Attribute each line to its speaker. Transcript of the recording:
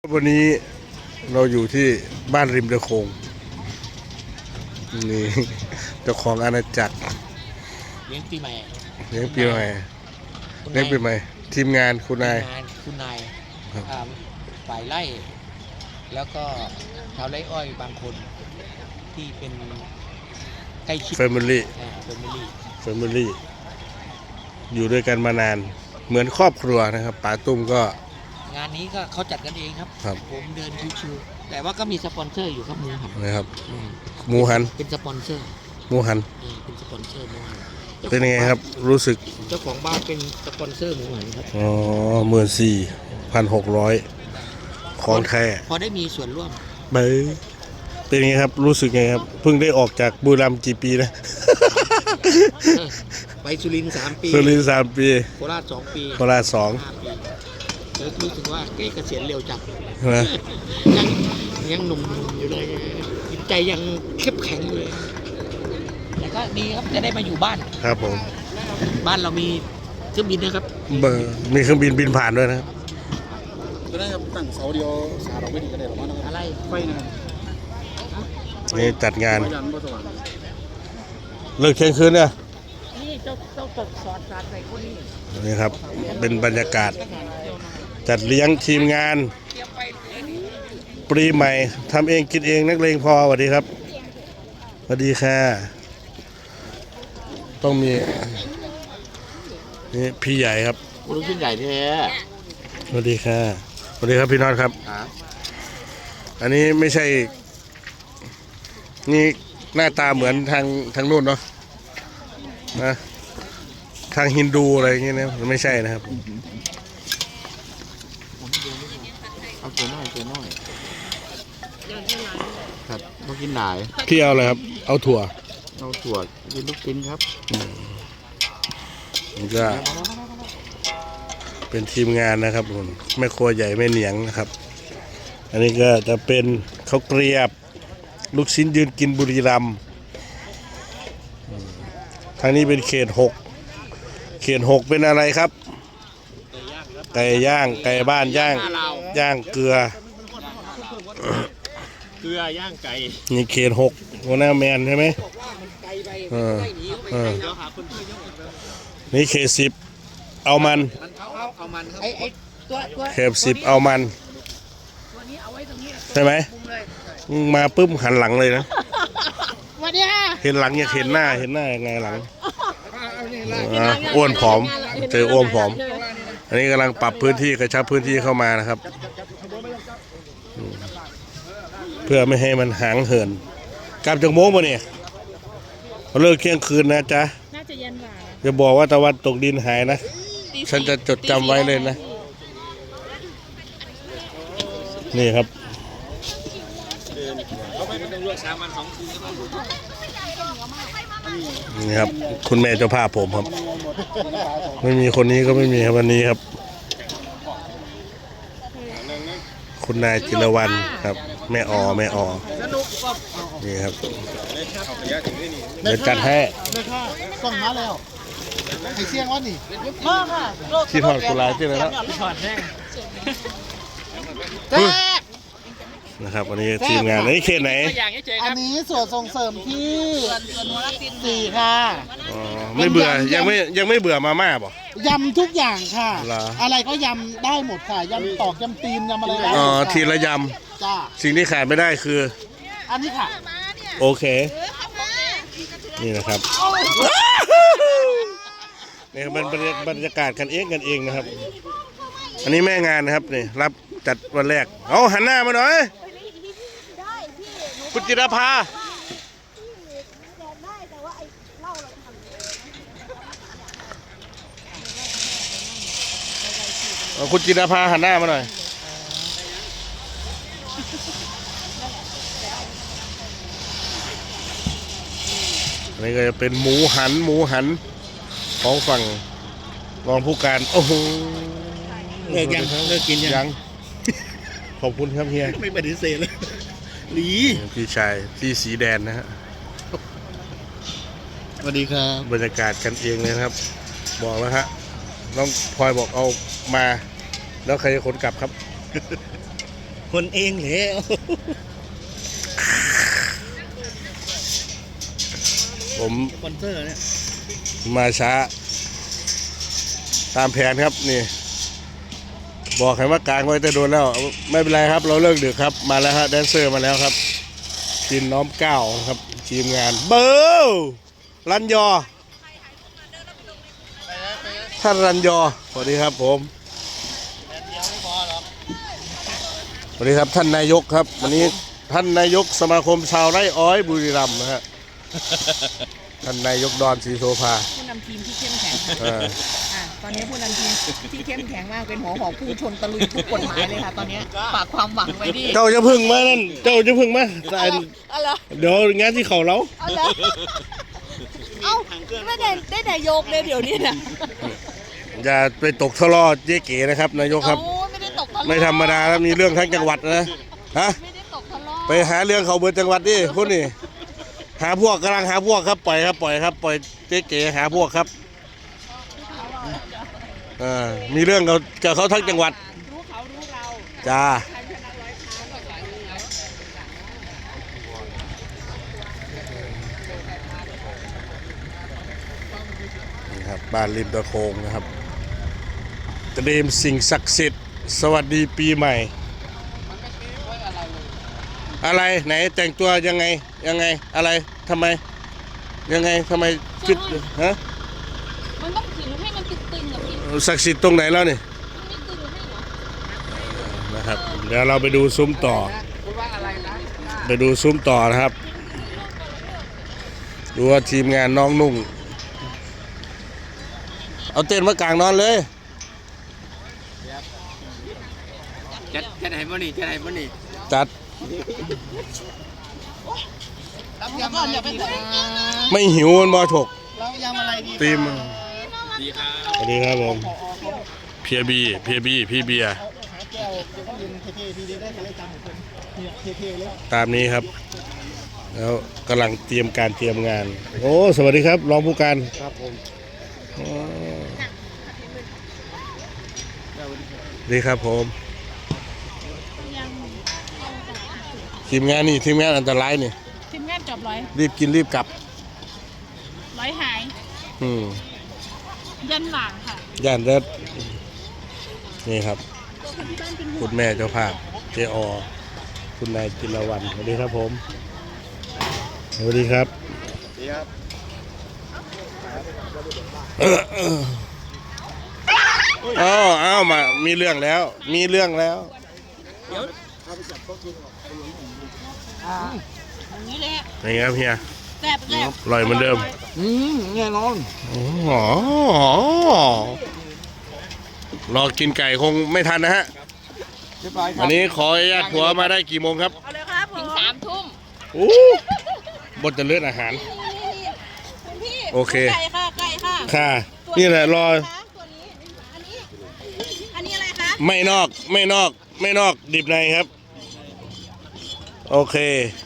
Speaker 1: วันนี้เราอยู่ที่บ้านริมตะโขงนี่เจ้าของอาณาจักร
Speaker 2: เลี้ยงปีใหม่
Speaker 1: เลี้ยงปีใหม่เลี้ยงปีใหม่ทีมงานคุณนาย
Speaker 2: ฝ่ายไร่แล้วก็ชาวไร่อ้อยบางคนที่เป็นใกล้ชิด
Speaker 1: แฟมิลี่อยู่ด้วยกันมานานเหมือนครอบครัวนะครับป๋าตุ้มก็
Speaker 2: งานนี้ก็เขาจัดกันเองครับผมเดินชิวๆแต่ว่าก็มีสปอนเซอร์อยู่ครับหมูหัน
Speaker 1: นะครับหมูหัน
Speaker 2: เป็นสปอนเซอร์
Speaker 1: หมูหัน
Speaker 2: เป็นสปอนเซอร์หมูหัน
Speaker 1: เป็นยังไงครับรู้สึก
Speaker 2: เจ้าของบ้านเป็นสปอนเซอร์หมูหันครับ
Speaker 1: อ๋อ14,600ของแท้
Speaker 2: พอได้มีส่วนร่วม
Speaker 1: เป็นยังไงครับรู้สึกไงครับเพิ่งได้ออกจากบุรีรัมย์กี่ปีนะ
Speaker 2: ไปสุรินทร์3 ปี
Speaker 1: 3 ปี
Speaker 2: โคราช2 ปี
Speaker 1: โคราช2
Speaker 2: รู้สึกว่าเกษียณเร็วจังยังหนุ่มอยู่เลยจิตใจยังเข้มแข็งอยู่เลยแต่ก็ดีครับจะได้มาอยู่บ้าน
Speaker 1: ครับผม
Speaker 2: บ้านเรามีเครื่องบินนะครับ
Speaker 1: มีเครื่องบินผ่านด้วยนะครับ
Speaker 3: ก็ได้ครับตั้งเสาเดียวสาเราไม่ดีก็ได้หรอกนะ
Speaker 2: อะไร
Speaker 3: ไฟนะครับ
Speaker 1: นี่จัดงานเลิกเที่ยงคืนเนี่ย
Speaker 2: นี่เจ้าตกสอดสาดใส่คนนี้
Speaker 1: นี่ครับเป็นบรรยากาศจัดเลี้ยงทีมงานปีใหม่ทำเองกินเองนักเลงพอสวัสดีครับสวัสดีค่ะต้องมีนี่พี่ใหญ่ครับ
Speaker 2: ลูกชิ้นใหญ่แท้
Speaker 1: สวัสดีค่ะสวัสดีครับพี่น็อตครับอันนี้ไม่ใช่นี่หน้าตาเหมือนทางนู้นเนาะนะทางฮินดูอะไรอย่างเงี้ยนะไม่ใช่นะครับ
Speaker 2: เอาเกลือน้อยครับต้องกินหลาย
Speaker 1: พี่เอาอะไรครับเอาถั่ว
Speaker 2: กินลูกชิ้นครับ
Speaker 1: มันก็เป็นทีมงานนะครับแม่ครัวใหญ่แม่เหนียงนะครับอันนี้ก็จะเป็นข้าวเกรียบลูกชิ้นยืนกินบุรีรัมย์ทางนี้เป็นเขต6เป็นอะไรครับไก่ย่างไก่บ้านย่างเกลื
Speaker 2: อย่างไก่
Speaker 1: นี่เขต6หัวหน้าแมนใช่ไหมนี่เขต10เอามันเขต10เอามันใช่ไหมมาปุ๊บหันหลังเลยนะเห็นหลังอยากเห็นหน้ายังไงหลังอ้วนผอมเจออ้วนผอมอันนี้กำลังปรับพื้นที่กระชับพื้นที่เข้ามานะครับเพื่อไม่ให้มันหางเหินกลับจากโม้มาเนี่ยเลิกเที่ยงคืนนะจ๊ะ
Speaker 4: น่าจะเย็นกว่า
Speaker 1: อย่าบอกว่าตะวันตกดินหายนะฉันจะจดจำไว้เลยนะนี่ครับนี่ครับคุณแม่เจ้าภาพผมครับไม่มีคนนี้ก็ไม่มีครับวันนี้ครับคุณนายจิรวรรณครับแม่อนี่ครับเดี๋ยวจัดให้
Speaker 3: ส่งมาแล้วไข่เสี่ยงวะนี่
Speaker 4: มาค่ะ
Speaker 1: ที่ทอดกุหลาบที่ไหนแล้ว
Speaker 2: ที่ทอดแห้ง
Speaker 1: นะครับวันนี้ทีมงานนี้เขตไหน
Speaker 3: อันนี้ส่วนส่งเสริมที่4ค่ะ
Speaker 1: ไม่เบื่อยังไม่เบื่อมาม่าป่ะ
Speaker 3: ยำทุกอย่างค่ะอะไรก็ยำได้หมดค่ะยำตอกยำตีนยำอะไรได้
Speaker 1: ทีละยำ
Speaker 3: จ้า
Speaker 1: สิ่งที่ขาดไม่ได้คือ
Speaker 3: อันนี้ค่ะ
Speaker 1: โอเคนี่นะครับนี่เป็นบรรยากาศกันเองนะครับอันนี้แม่งานนะครับนี่รับจัดวันแรกเอาหันหน้ามาหน่อยคุณจิรภาคุณจิรภาหันหน้ามาหน่อยนี่ก็จะเป็นหมูหันของฝั่งรองผู้การโอ้โห
Speaker 2: เลิกกิน
Speaker 1: ยังขอบคุณครับเฮีย
Speaker 2: ไม่ปฏิเสธเลย
Speaker 1: พี่ชายที่สีแดนนะฮะ
Speaker 2: สวัสดีครับ
Speaker 1: บรรยากาศกันเองเลยครับบอกแล้วฮะน้องพลอยบอกเอามาแล้วใครจะขนกลับครับ
Speaker 3: คนเองเหรอ
Speaker 1: ผม
Speaker 3: สปอนเซอร์เนี่ย
Speaker 1: มาช้า ตามแผนครับนี่ บอกให้ว่ากลางไว้แต่โดนแล้ว ไม่เป็นไรครับ เราเลิกดึกครับมาแล้วฮะแดนเซอร์มาแล้วครับทีมน้อมเก้าครับทีมงานเบลรันยอท่านรันยอสวัสดีครับผมสวัสดีครับท่านนายกครับวันนี้ท่านนายกสมาคมชาวไร่อ้อยบุรีรัมย์นะฮะท่านนายกดอนศรีโสภา
Speaker 4: ผู้นำทีมที่เข้มแข็งค่ะตอนนี้ผู้นำทีมที่เข้มแข็งมากเป็นหัวหอกพุ่งชนตะลุยทุกกฎหมายเลยค่ะตอนนี้ฝากความหวังไว้ดิ
Speaker 1: เจ้าจะพึ่งมานั่นเจ้าจะพึ่งมาแต่
Speaker 4: อะไร
Speaker 1: เดี๋ยวงานที่เขาเรา
Speaker 4: เอาเหรอเอาไม่ได้นายกเลยเดี๋ยวนี้นะ
Speaker 1: อย่าไปตกทะเลาะเจ๊เก๋นะครับนายกครับ
Speaker 4: โอ้ไม่ได้ตกทะเลาะ
Speaker 1: ไม่ธรรมดาแล้วมีเรื่องทั้งจังหวัดนะฮะ
Speaker 4: ไม่ได้ตกทะเลาะ
Speaker 1: ไปหาเรื่องเขาเบิดจังหวัดดิพวกนี้หาพวกกำลังหาพวกครับปล่อยครับปล่อยครับปล่อยเจ๊เก๋หาพวกครับมีเรื่องกับเขาทั้งจังหวัด
Speaker 4: รู้เขารู้เรา
Speaker 1: จ้า
Speaker 4: ใครชนะร้อยครั้งก็ใส่
Speaker 1: นี่ครับบ้านริมตะโคงนะครับเตรียมสิ่งศักดิ์สิทธิ์สวัสดีปีใหม่ อะไรไหนแต่งตัวยังไงอะไรทำไมยังไงทำไมคิดฮะ
Speaker 4: มันต้องถึงให้มันตึงๆแบบนี้
Speaker 1: ศักดิ์สิทธิ์ตรงไหนแล้วนี่
Speaker 4: มันไม่ตึงให้เหรอ
Speaker 1: นะครับเดี๋ยวเราไปดูซุ้มต่อ
Speaker 2: คุณว่าอะไรนะ
Speaker 1: ไปดูซุ้มต่อนะครับดูว่าทีมงานน้องนุ่งเอาเต้นท์มากลางนอนเลย
Speaker 2: จะไหนบ่นี่จะไหนบ่นี่
Speaker 1: จัด
Speaker 3: รับยำอะไรดีคะ
Speaker 1: ไม่หิวมันบอถก
Speaker 3: รับยำอะไรดี
Speaker 1: ตีม
Speaker 2: ดีครับ
Speaker 1: สวัสดีครับผมเพียบีพี่เบียร์
Speaker 3: หาแก้วเดี๋ยวก็ยืนเท่ๆทีเดียวได้เลยจำผมเนี่ยเท่ๆเลย
Speaker 1: ตามนี้ครับ แล้วกำลังเตรียมการเตรียมงาน โอ้สวัสดีครับรองผู้การ
Speaker 3: ครับผม
Speaker 1: อ๋อสวัสดีครับผมทีมงานนี่ทีมงานอันตรายนี่
Speaker 4: ทีมงานจบร้อย
Speaker 1: รีบกินรีบกลับ
Speaker 4: ร้อยหาย
Speaker 1: อืม
Speaker 4: ยันหลังค่ะ
Speaker 1: ย่านเด็ดนี่ครับ คุณแม่เจ้าภาพเจอคุณนายจิรวรรณสวัสดีครับผมสวัสดีครับ
Speaker 3: ดีครับ
Speaker 1: อ้าวมามีเรื่องแล้ว มีเรื่องแล้ว
Speaker 4: อย่างนี้เลย
Speaker 1: ยังไงครับเฮีย
Speaker 4: แซ่บแซ่บ
Speaker 1: อร่อยเหมือนเดิม
Speaker 3: แน่นอน
Speaker 1: อ๋อรอกินไก่คงไม่ทันนะฮะ
Speaker 3: เรียบร้อยครั
Speaker 1: อันนี้ขออนุญาตผัวมาได้กี่โมงครับ
Speaker 4: เอาเลยครับถึง3 ทุ่ม
Speaker 1: อู้บดจะเลือดอาหาร
Speaker 4: คุณพี่
Speaker 1: โอเค
Speaker 4: ไก่ค่ะไก่ค่ะ
Speaker 1: ค่ะ นี่แหละรอ
Speaker 4: ตัวนี้อันนี้อะไรคะ
Speaker 1: ไม่นอกดิบในครับ โอเค